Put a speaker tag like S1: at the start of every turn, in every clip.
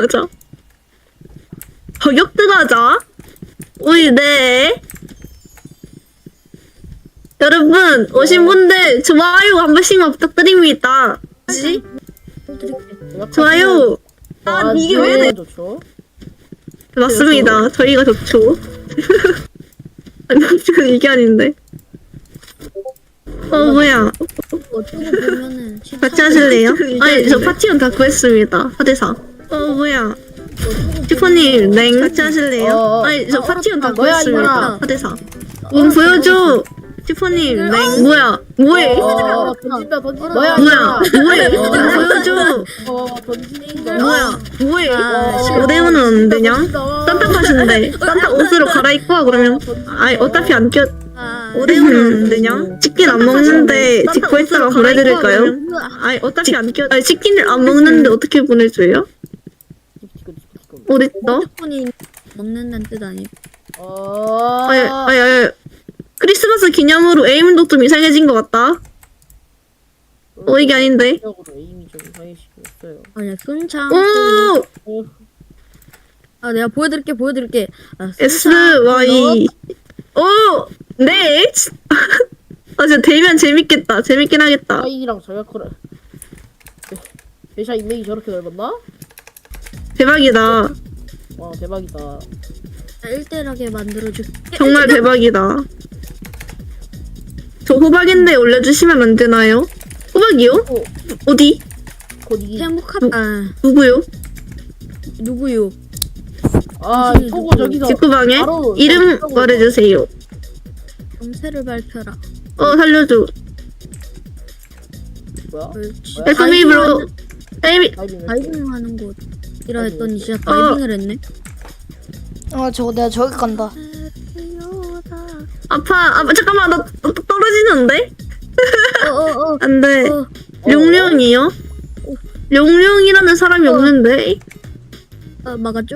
S1: 들어가자. 저격 들어가자. 우리 네. 여러분 오신 분들 좋아요 한 번씩만 부탁드립니다. 뭐지? 좋아요. 아 이게 왜 돼?
S2: 좋죠?
S1: 맞습니다. 저희가 좋죠. 아니 지금 이게 아닌데. 뭐야?
S3: 어쩌고 보면은
S1: 같이 하실래요? 아니 저 파티원 다 구했습니다. 4대4. 뭐야? 슈퍼님 냉 같이 하실래요? 아니 저 파티원 다
S2: 뭐야,
S1: 구했습니다.
S2: 이거라.
S1: 4대4. 문 보여줘. 슈퍼님 냉 뭐야? 뭐해?
S2: 던진다. 뭐야?
S1: 뭐야? 뭐해? 문 보여줘.
S2: 던진다.
S1: 뭐야? 뭐해?
S3: 아,
S1: 5대5는 안 되냐? 딴딴하신데 딴딴 옷으로 갈아입고 와 그러면. 아니 어차피 안 껴. 5대5는 안 되냐? 치킨 안 먹는데 직구 했다가 보내드릴까요? 아니 어차피 안 껴. 아니 치킨을 안 먹는데 어떻게 보내줘요? 어딨어?
S3: 분이 먹는다는 뜻 아니에요?
S1: 아니 크리스마스 기념으로 에임도 좀 이상해진 것 같다. 이게 아닌데.
S2: 에임이 좀 이상해지고 있어요.
S3: 아니야 순창.
S1: 오!
S3: 아 내가 보여드릴게. 아,
S1: S, Y. 오! 네! 아 진짜 되면 재밌겠다. 재밌긴 하겠다.
S2: 사인이랑 저격을 대샤 인맥이 저렇게 넓었나?
S1: 대박이다.
S2: 와 대박이다.
S3: 나 1대1하게 만들어줄게.
S1: 정말 대박이다. 저 호박인데 올려주시면 안 되나요? 호박이요? 어디?
S2: 곧이
S1: 누구요?
S3: 누구요?
S2: 보고 저기서
S1: 직구방에?
S2: 바로
S1: 이름
S2: 저기
S1: 말해주세요.
S3: 정체를 발표라.
S1: 살려줘.
S2: 뭐야?
S3: 옳지.
S1: 에스미브로 에이미
S3: 다이빙 하는 곳이라 했더니 진짜 다이빙을 했네.
S4: 저거 내가 저기 간다.
S1: 아파 잠깐만 나 떨어지는데? 안돼.
S3: 어.
S1: 룡룡이요? 룡룡이라는 사람이 없는데?
S3: 막았죠?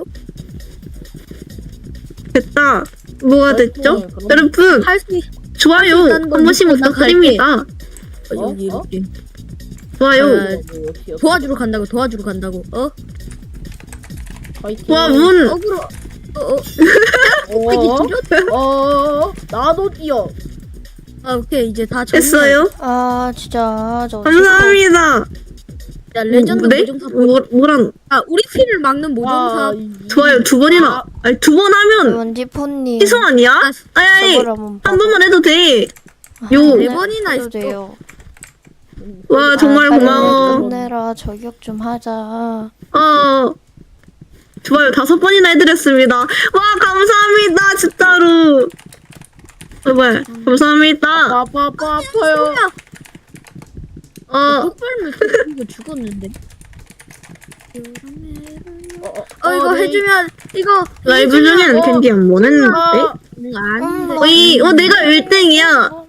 S1: 됐다. 뭐가 됐죠?
S2: 그럼-
S1: 여러분
S3: 할수
S1: 좋아요
S3: 수
S1: 한
S3: 있다는 건
S1: 번씩
S3: 믿고 난
S1: 부탁드립니다.
S3: 여기 이렇게
S1: 좋아요.
S3: 도와주러 간다고.
S2: 파이팅.
S1: 와 문.
S3: 어그로.
S2: 나도 뛰어.
S3: 오케이 이제 다
S1: 됐어요?
S4: 진짜 저
S1: 감사합니다.
S3: 야 레전드
S1: 네?
S3: 모종사
S1: 뭐란?
S3: 우리 피를 막는 모종사.
S1: 좋아요 두 번이나. 아니 두 번 하면
S4: 원지포님
S1: 희소 아니야? 아니
S4: 저걸 한번
S1: 한 번만 해도 돼. 요.
S3: 네 번이나
S4: 해도
S3: 있어.
S4: 돼요.
S1: 와 정말
S4: 빨리
S1: 고마워.
S4: 끝내라. 저격 좀 하자.
S1: 좋아요 5번이나 해드렸습니다. 와 감사합니다 진짜로. 뭐야 감사합니다.
S2: 아파요.
S3: 폭발물 이거 죽었는데. 이거
S2: 네.
S3: 해주면 이거
S1: 라이브 중에는 캔디 안 보냈는데?
S3: 아닌데.
S1: 내가 1등이야.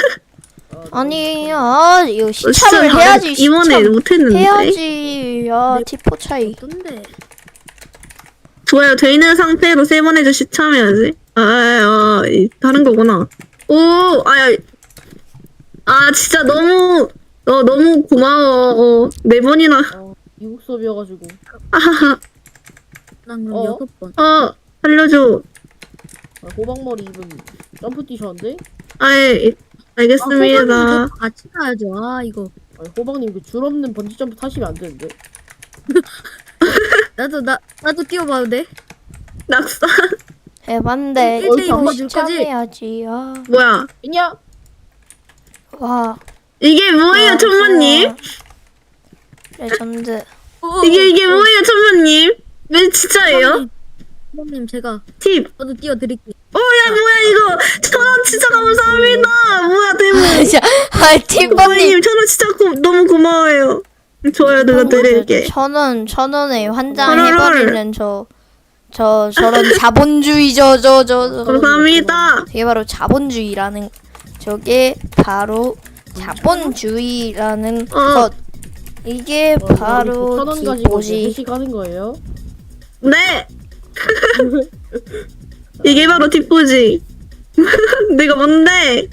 S4: 아니야. 이거 시참을 해야지.
S1: 이번에
S4: 시참
S1: 못했는데.
S4: 해야지. 티포 차이.
S3: 어떤데?
S1: 좋아요 돼 있는 상태로 3번 해줘 시참해야지. 다른 거구나. 진짜 너무 고마워. 4번이나.
S2: 미국 수업이어가지고.
S3: 난 그럼 6번.
S1: 살려줘.
S2: 호박머리 입은 점프 뛰셨는데?
S1: 알겠습니다.
S3: 같이 가야죠. 이거.
S2: 호박님 그 줄 없는 번지 점프 타시면 안 되는데.
S3: 나도 뛰어봐도 돼?
S1: 낙사.
S4: 해봤는데
S3: 일대일
S4: 이거
S3: 보여줄 거지?
S4: 시참해야지.
S1: 뭐야?
S2: 있냐?
S4: 와.
S1: 이게 뭐예요, 천마님?
S4: 레전드.
S1: 이게 뭐예요, 천마님? 왜 진짜예요?
S3: 선생님 제가
S1: 팁.
S3: 저도 띄워드릴게요.
S1: 뭐야 이거. 1,000원 진짜 감사합니다. 뭐야 대박.
S4: 티포님
S1: 1,000원 진짜 너무 고마워요. 좋아요 눌러드릴게.
S4: 1,000원에 환장
S1: 헐헐.
S4: 해버리는 저런 자본주의 저
S1: 감사합니다.
S4: 이게 바로 자본주의라는 저게 바로 자본주의라는 것. 이게 바로
S2: 1,000원 가지고
S4: 기보지.
S2: 회식 하는 거예요?
S1: 네. 이게 바로 뒷부지. 내가 뭔데?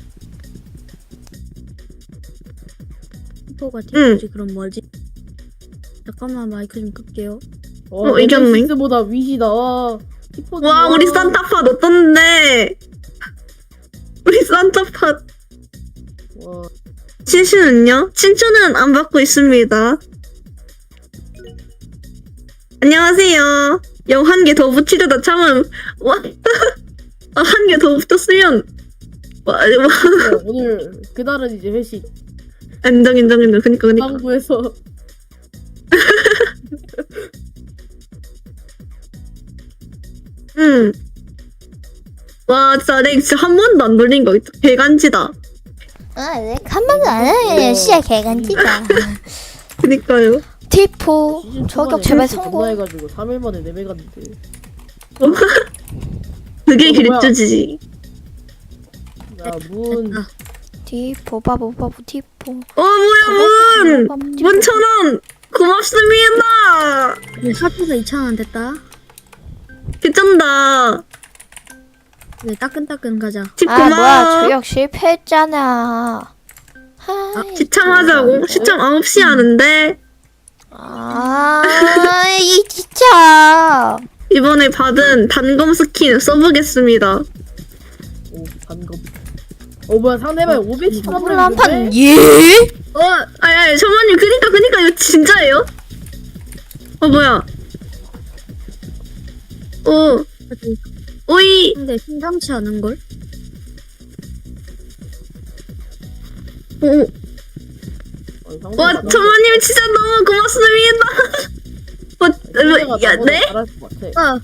S3: 포가 뒷부지 그럼 뭐지? 잠깐만 마이크 좀 끌게요.
S1: 이겼네.
S2: 네메시스보다 위시다. 티포지.
S1: 와, 우리 산타팟 어떤데? 우리 산타팟.
S2: 와,
S1: 친추는요? 친추는 안 받고 있습니다. 안녕하세요. 영 한 개 더 붙이려다 참음. 와, 한 개 더 붙었으면. 와,
S2: 네, 오늘 그날은 이제 회식.
S1: 인정. 그니까.
S2: 상부에서
S1: 와, 진짜 내 진짜 한 번도 안 돌린 거 있어. 개간지다.
S4: 한 번도 안 해. 씨야 개간지다.
S1: 그니까요.
S4: 티포
S2: 시즌
S4: 저격
S2: 초반에
S4: 제발
S2: 회식
S4: 성공.
S2: 겁나 해가지고 3일 만에 내매 갔는데.
S1: 그게
S2: 뭐야?
S1: 길주지지.
S2: 야, 문.
S3: 됐다.
S4: 티포 바보 티포.
S1: 뭐야, 문 1,000원! 고맙습니다!
S3: 네, 사표가 2,000원 됐다.
S1: 개쩐다.
S3: 네, 따끈따끈 가자.
S1: 집
S4: 아 뭐야
S1: 고마워.
S4: 저격 실패했잖아. 하이,
S1: 시참하자고. 시참 9시 하는데,
S4: 이 진짜.
S1: 이번에 받은 단검 스킨 써보겠습니다.
S2: 오, 단검. 뭐야, 상대방이 513원
S4: 몰라 한판
S2: 데
S4: 예?
S1: 아니, 천만님, 그니까, 이거 진짜예요? 뭐야. 오이.
S3: 근데 심상치 않은 걸?
S1: 와, 천만님, 진짜 너무 고맙습니다. 야, 네?
S2: 잘할 것 같아.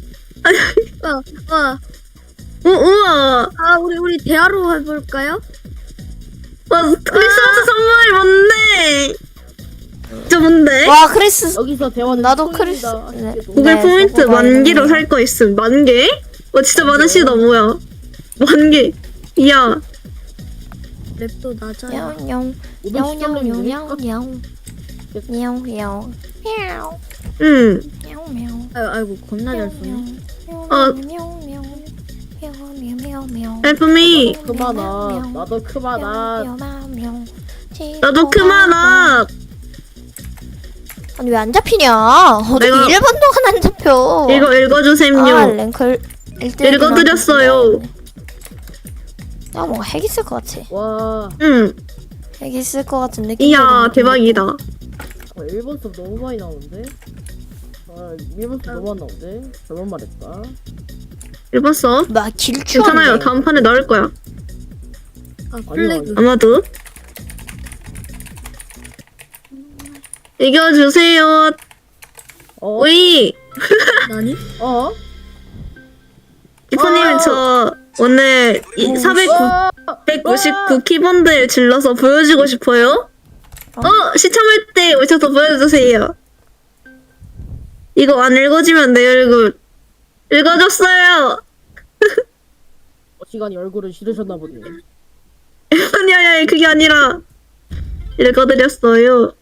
S1: 우와.
S3: 우리 대화로 해볼까요?
S1: 와, 크리스마스 선물이 뭔데? 저 뭔데?
S4: 와 크리스
S2: 여기서 대화는
S4: 나도
S2: 소입니다.
S4: 크리스- 네.
S2: 아쉽게도.
S1: 구글 포인트
S4: 저거
S1: 10,000개로
S4: 많이
S1: 살 거 있음. 10,000개? 와, 진짜 많으시다, 뭐야. 10,000개. 이야.
S3: 랩도 낮아요.
S4: 냥냥
S2: 513원
S4: 냥냥냥냥 냥냥 냥
S1: 응.
S4: 냥
S3: 아이고 겁나 잘 쏘네.
S1: 헬프미.
S2: 그만아. 나도 그만아.
S1: 나도 그만아.
S4: 아니 왜 안 잡히냐? 어떻게
S1: 내가-
S4: 1분 동안 안 잡혀?
S1: 이거 읽어주셈요.
S4: 랭클
S1: 읽어드렸어요.
S4: 뭔가 핵 있을 것 같아.
S2: 와,
S1: 응.
S4: 핵 있을 것 같은 느낌.
S1: 이야, 대박이다.
S2: 일본 섭 너무 많이 나오는데? 일본 섭 너무 안 나오는데? 잘못 말했다.
S1: 읽었어?
S4: 막 길쭉.
S1: 괜찮아요. 다음 판에 나올 거야.
S3: 플래그.
S1: 아마도. 읽어주세요. 오이.
S3: 나니?
S1: 기프님, 저 오늘 499 키본드 질러서 보여주고 싶어요. 시참할 때 오셔서 보여주세요. 이거 안 읽어주면 내 얼굴. 읽어줬어요.
S2: 시간이 얼굴을 싫으셨나 보네.
S1: 아니, 그게 아니라. 읽어드렸어요.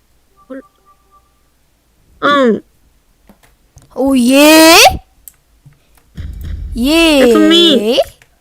S1: 응.
S4: 오 예? 예.
S1: 예쁨이.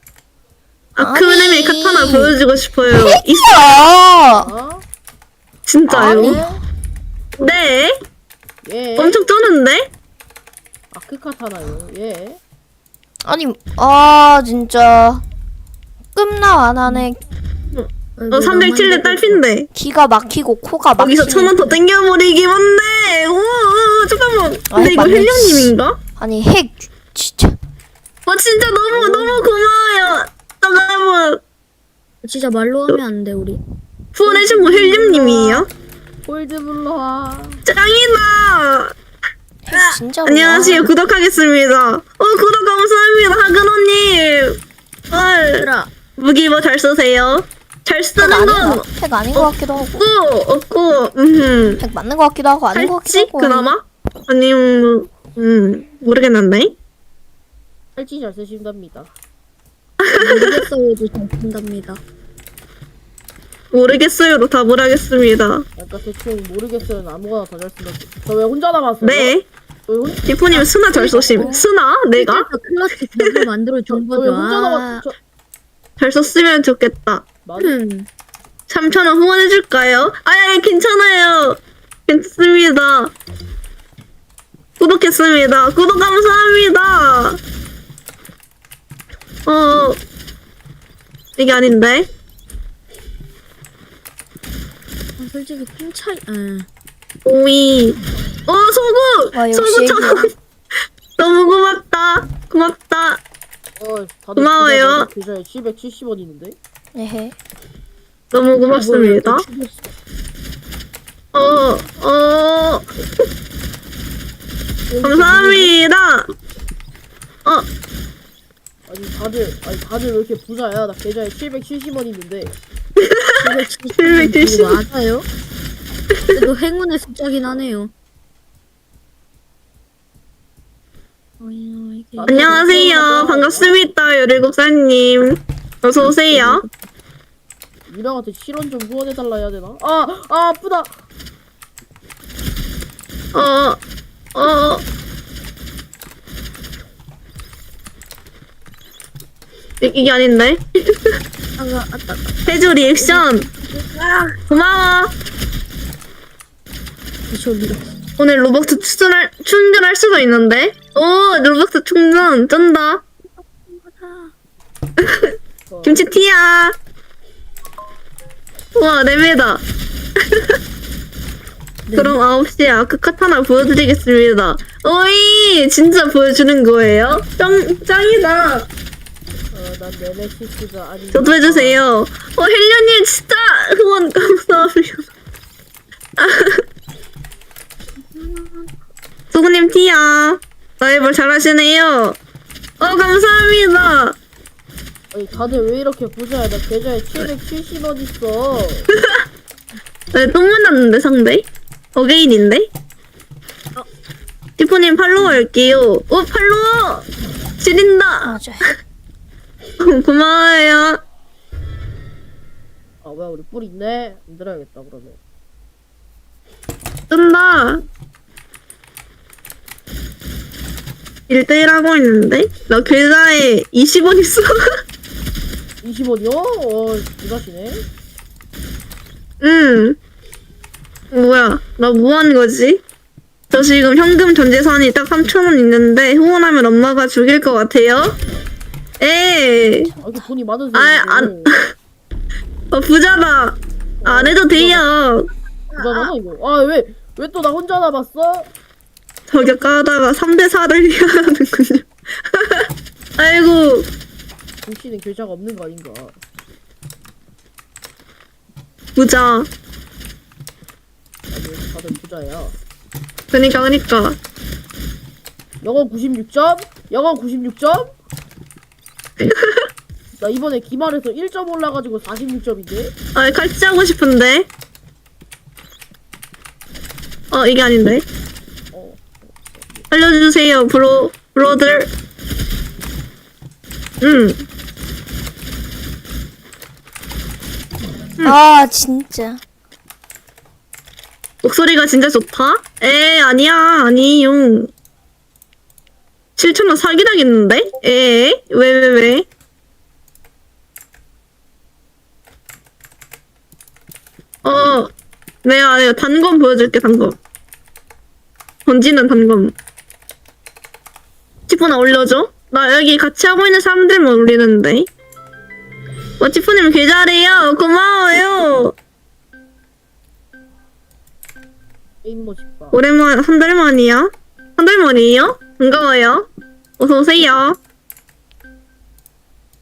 S1: 아크네미 카타나 보여주고 싶어요.
S4: 있어.
S2: 어?
S1: 진짜요? 네.
S2: 예.
S1: 엄청 쩌는데?
S2: 아크카타나요. 예.
S4: 아니 진짜 끝나 안 하네.
S1: 307대 딸핀데.
S4: 기가 막히고 코가 막히네.
S1: 거기서 1,000원 더 땡겨버리기만 해. 오, 잠깐만. 근데 이거
S4: 맞네.
S1: 헬령님인가?
S4: 아니 핵 진짜.
S1: 와, 진짜 너무 고마워요. 잠깐만.
S3: 진짜 말로 하면 안 돼 우리.
S1: 후원해준 분 헬령님이에요?
S2: 홀드 불러와.
S1: 짱이다.
S4: 핵 진짜.
S1: 안녕하세요. 구독하겠습니다. 구독 감사합니다. 하근호님.
S3: 얘들아.
S1: 무기 뭐 잘 쓰세요? 잘 쓰는 건
S4: 핵 아닌 것 같기도 하고.
S1: 없고,
S4: 핵 맞는 것 같기도 하고 아닌 것 같기도
S1: 할지?
S4: 하고.
S1: 그나마? 아니면, 모르겠는데?
S2: 팔찌 잘 쓰신답니다.
S3: 모르겠어요도 잘 쓴답니다.
S1: 모르겠어요로 답을 하겠습니다.
S2: 그러니까 대충 모르겠어요. 아무거나 다 잘 쓴다. 저 왜 혼자 남았어요?
S1: 네.
S2: 왜 혼-
S1: 디포님 스나 잘 쏘심. 스나? 내가?
S3: 클러치 벽을 만들어 준
S2: 저 왜
S3: 거죠.
S2: 혼자 남았어?
S1: 잘 썼으면 좋겠다.
S2: 맞아.
S1: 3,000원 후원해줄까요? 괜찮아요. 괜찮습니다. 구독했습니다. 구독 감사합니다. 이게 아닌데?
S3: 솔직히 큰 차이.
S1: 오이. 소구!
S4: 와, 역시
S1: 소구 천
S4: 애기야.
S1: 너무 고맙다. 고맙다.
S2: 다들
S1: 고마워요.
S2: 계좌에 770원 있는데?
S4: 에헤.
S1: 너무 고맙습니다. 감사합니다.
S2: 아니 다들 왜 이렇게 부자야? 나 계좌에 770원 있는데.
S1: 770.
S3: 맞아요? 그래도 행운의 숫자긴 하네요.
S1: 안녕하세요. 반갑습니다. 17살님. 어서오세요.
S2: 유랑한테 실원 좀 후원해달라 해야 되나? 아프다!
S1: 이게 아닌데? 해주 리액션. 고마워. 오늘 로벅스 충전할 수가 있는데? 로벅스 충전 쩐다. 김치티야. 우와, 4배다. 그럼 9시에 아크 카타나 보여드리겠습니다. 오이! 진짜 보여주는 거예요? 짱이다.
S2: 난 네메시스가 아니.
S1: 저도 해주세요. 헬려님 진짜 후원 감사합니다. 소구님 티야. 라이벌 잘하시네요. 감사합니다.
S2: 아니 다들 왜 이렇게 부자야? 나 계좌에 770원 있어.
S1: 네, 똥 만났는데 상대? 어게인인데? 티포님 팔로우 할게요. 팔로우! 지린다.
S4: 맞아.
S1: 고마워요.
S2: 뭐야 우리 뿔 있네. 만들어야겠다 그러면.
S1: 뜬다. 1대1 하고 있는데? 나 계좌에 20원 있어.
S2: 20원이요? 이가시네.
S1: 뭐야, 나 뭐 하는 거지? 저 지금 현금 전 재산이 딱 3,000원 있는데 후원하면 엄마가 죽일 것 같아요? 에이.
S2: 이렇게 돈이 많으세요?
S1: 안. 부자다. 안 해도 돼요.
S2: 부자잖아 이거. 왜 또 나 혼자 남았어?
S1: 저격 까다가 3대4를 해야 하는군요. 아이고.
S2: 김씨는 계좌가 없는 거 아닌가?
S1: 부자.
S2: 아니 다들 부자야.
S1: 그니까.
S2: 영어 96점? 영어 96점? 나 이번에 기말에서 1점 올라가지고 46점인데?
S1: 칼치 하고 싶은데. 이게 아닌데. 알려주세요, 브로들.
S4: 아, 진짜.
S1: 목소리가 진짜 좋다? 아니야, 아니용. 7,000원 사기당했는데? 왜? 내가 단검 보여줄게, 단검. 던지는 단검. 치프나 올려줘? 나 여기 같이 하고 있는 사람들만 올리는데. 치프님 계좌래요. 고마워요.
S2: 게임 멋있다.
S1: 오랜만, 한 달 만이야? 한 달 만이에요? 반가워요. 어서오세요.